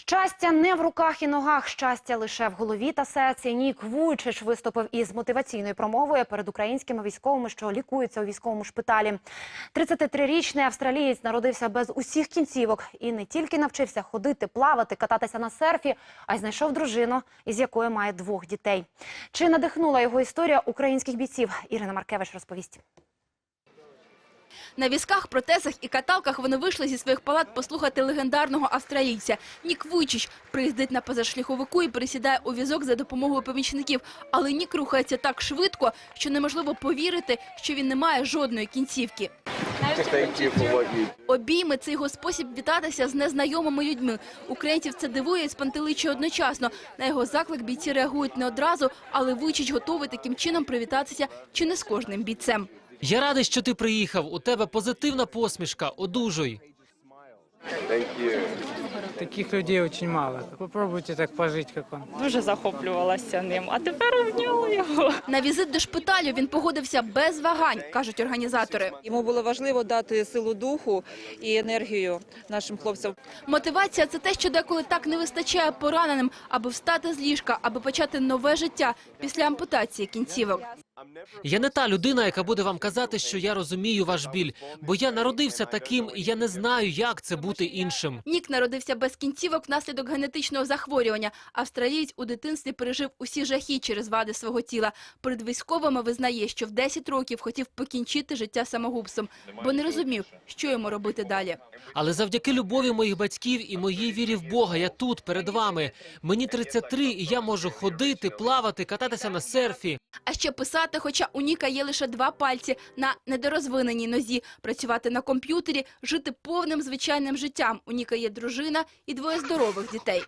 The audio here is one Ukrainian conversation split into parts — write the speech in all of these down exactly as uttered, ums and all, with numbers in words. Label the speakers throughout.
Speaker 1: Щастя не в руках і ногах, щастя лише в голові та серці. Нік Вуйчич виступив із мотиваційною промовою перед українськими військовими, що лікуються у військовому шпиталі. тридцятитрирічний австралієць народився без усіх кінцівок і не тільки навчився ходити, плавати, кататися на серфі, а й знайшов дружину, із якою має двох дітей. Чи надихнула його історія українських бійців? Ірина Маркевич розповість.
Speaker 2: На візках, протезах і каталках вони вийшли зі своїх палат послухати легендарного австралійця. Нік Вуйчич приїздить на позашляховику і пересідає у візок за допомогою помічників. Але Нік рухається так швидко, що неможливо повірити, що він не має жодної кінцівки. Обійми – це його спосіб вітатися з незнайомими людьми. Українців це дивує і спантеличує одночасно. На його заклик бійці реагують не одразу, але Вуйчич готовий таким чином привітатися чи не з кожним бійцем.
Speaker 3: Я радий, що ти приїхав. У тебе позитивна посмішка. Одужуй.
Speaker 4: Таких людей дуже мало. Попробуйте так пожити, як він.
Speaker 5: Дуже захоплювалася ним, а тепер обняла його.
Speaker 2: На візит до шпиталю він погодився без вагань, кажуть організатори.
Speaker 6: Йому було важливо дати силу духу і енергію нашим хлопцям.
Speaker 2: Мотивація – це те, що деколи так не вистачає пораненим, аби встати з ліжка, аби почати нове життя після ампутації кінцівок.
Speaker 3: Я не та людина, яка буде вам казати, що я розумію ваш біль, бо я народився таким, і я не знаю, як це бути іншим.
Speaker 2: Нік народився без кінцівок внаслідок генетичного захворювання. Австралієць у дитинстві пережив усі жахи через вади свого тіла. Перед військовими визнає, що в десять років хотів покінчити життя самогубством, бо не розумів, що йому робити далі.
Speaker 3: Але завдяки любові моїх батьків і моїй вірі в Бога я тут, перед вами. Мені тридцять три, і я можу ходити, плавати, кататися на серфі.
Speaker 2: А ще писати, хоча у Ніка є лише два пальці на недорозвиненій нозі, працювати на комп'ютері, жити повним звичайним життям. У Ніка є дружина і двоє здорових дітей.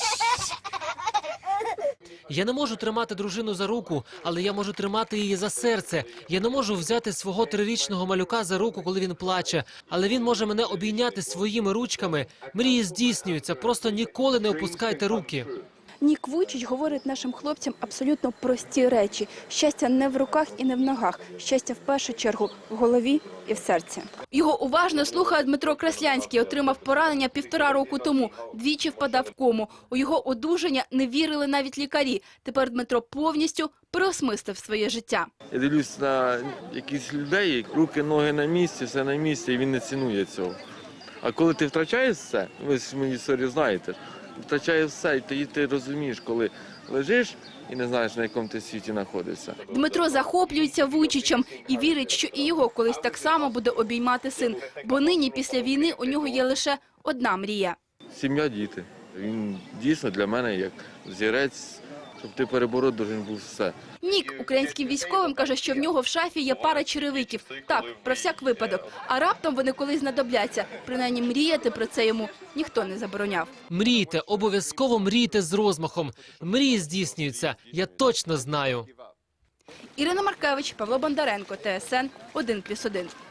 Speaker 3: Я не можу тримати дружину за руку, але я можу тримати її за серце. Я не можу взяти свого трирічного малюка за руку, коли він плаче, але він може мене обійняти своїми ручками. Мрії здійснюються, просто ніколи не опускайте руки.
Speaker 2: Нік Вуйчич говорить нашим хлопцям абсолютно прості речі. Щастя не в руках і не в ногах. Щастя в першу чергу в голові і в серці. Його уважно слухає Дмитро Краслянський. Отримав поранення півтора року тому. Двічі впадав в кому. У його одужання не вірили навіть лікарі. Тепер Дмитро повністю переосмислив своє життя.
Speaker 7: Я дивлюсь на якісь людей, руки, ноги на місці, все на місці, і він не цінує цього. А коли ти втрачаєш все, ви ж мої історію знаєте, втрачає все, і тоді ти розумієш, коли лежиш і не знаєш, на якому ти світі знаходишся.
Speaker 2: Дмитро захоплюється Вуйчичем і вірить, що і його колись так само буде обіймати син. Бо нині, після війни, у нього є лише одна мрія.
Speaker 7: Сім'я, діти. Він дійсно для мене як зірець, щоб ти перебороть должен був все.
Speaker 2: Нік українським військовим каже, що в нього в шафі є пара черевиків. Так, про всяк випадок. А раптом вони колись знадобляться. Принаймні мріяти про це йому ніхто не забороняв.
Speaker 3: Мрійте, обов'язково мрійте з розмахом. Мрії здійснюються, я точно знаю.
Speaker 2: Ірина Маркевич, Павло Бондаренко, Т С Н один плюс один.